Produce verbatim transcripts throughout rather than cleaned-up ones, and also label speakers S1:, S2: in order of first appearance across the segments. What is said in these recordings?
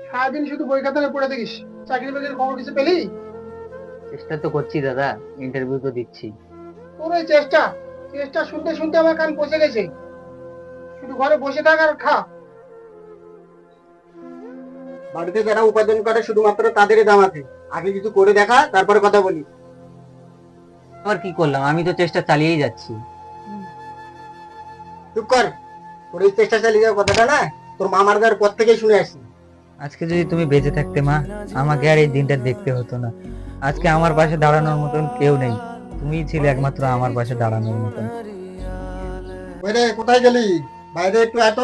S1: সারাদিন শুধু বই খাতায় পড়ে থাকিস, চাকরি বাকরির খবর কিছু পেলি?
S2: চেষ্টা তো করছি দাদা, ইন্টারভিউ তো দিচ্ছি।
S1: তোর ওই চেষ্টা চেষ্টা শুনতে শুনতে আমার কান পচে গেছে। শুধু ঘরে বসে থাক আর খা।
S3: বাড়িতে যারা উপার্জন করে শুধুমাত্র তাদেরই দাম আছে। আগে কিছু করে দেখা, তারপরে কথা বলি।
S2: আবার কি করলাম, আমি তো চেষ্টা চালিয়েই যাচ্ছি।
S3: চুপ কর। তোর এই চেষ্টা চালিয়ে যাওয়ার কথাটা না তোর মা মারা যাওয়ার পর থেকেই শুনে আসছি।
S2: আজকে যদি তুমি বেঁচে থাকতে মা, আমাকে আর এই দিনটা দেখতে হতো না। আজকে আমার পাশে দাঁড়ানোর মতন কেউ নেই, তুমিই ছিলে একমাত্র আমার পাশে দাঁড়ানোর মতন।
S3: ওই রে, কোথায় গেলি? বাইরে একটু এত।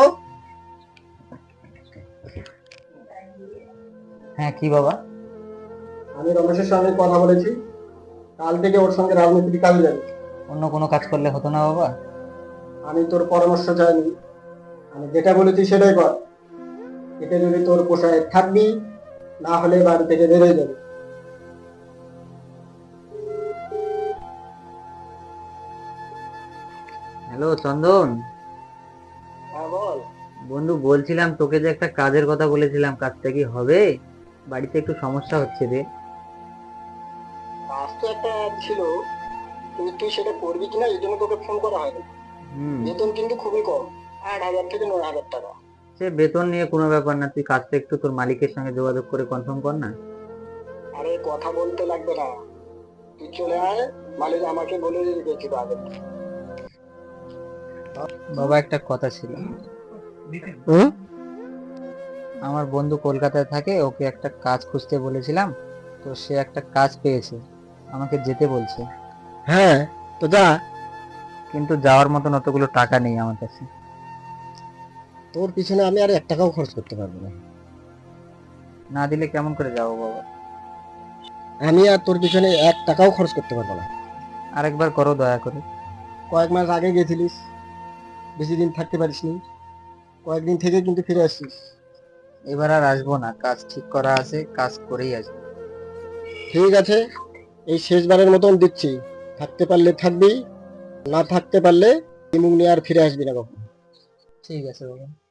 S2: হ্যাঁ, কি বাবা?
S3: আমি রমেশের সঙ্গে কথা বলেছি, কাল থেকে ওর সঙ্গে রাজনীতি কাজ যাবে।
S2: অন্য কোনো কাজ করলে হতো না বাবা?
S3: আমি তোর পরামর্শ চাইনি, আমি যেটা বলেছি সেটাই কর। এতে যদি তোর পোষায় থাকবি, না হলে বাড়ি থেকে বেরোয় যাবে।
S2: হ্যালো চন্দন।
S3: হ্যাঁ বল।
S2: বন্ধু, বলছিলাম তোকে যে একটা কাজের কথা বলেছিলাম, কাজটা কি হবে? বাড়িতে একটু সমস্যা হচ্ছে রে।
S3: কাজ তো একটা ছিল, কিন্তু তুই সেটা করবি কিনা এই জন্য তোকে ফোন করা হয়নি।
S2: হুম।
S3: বেতন কিন্তু খুবই কম, আট হাজার থেকে নয় হাজার টাকা।
S2: সে বেতন নিয়ে কোনো ব্যাপার না, তুই কাজটা একটু তোর মালিকের সঙ্গে যোগাযোগ করে কনফার্ম কর না।
S3: আরে কথা বলতে লাগবে না, তুই চলে আয়, মালিক আমাকে বলে রেখেছিল আগে।
S2: বাবা, একটা কথা ছিল। আমার বন্ধু কলকাতায় থাকে, ওকে একটা কাজ খুঁজতে বলেছিলাম, তো সে একটা কাজ পেয়েছে, আমাকে যেতে বলছে।
S3: হ্যাঁ, তো যা।
S2: কিন্তু যাওয়ার মতন অতগুলো টাকা নেই আমার কাছে।
S3: তোর পিছনে আমি আর এক টাকাও খরচ করতে পারবো না।
S2: না দিলে কেমন করে যাবো বাবা?
S3: আমি আর তোর পিছনে এক টাকাও খরচ করতে পারবো না।
S2: আরেকবার করো দয়া করে।
S3: কয়েক মাস আগে গেছিলিস, বেশি দিন থাকতে পারিসনি, কয়েকদিন থেকে কিন্তু ফিরে আসছিস।
S2: এবার আর আসবো না, কাজ ঠিক করা আছে, কাজ করেই আসবো।
S3: ঠিক আছে, এই শেষবারের মতন দিচ্ছি, থাকতে পারলে থাকবি, না থাকতে পারলে মুখ নিয়ে আর ফিরে আসবি না কখন।
S2: ঠিক আছে বাবা।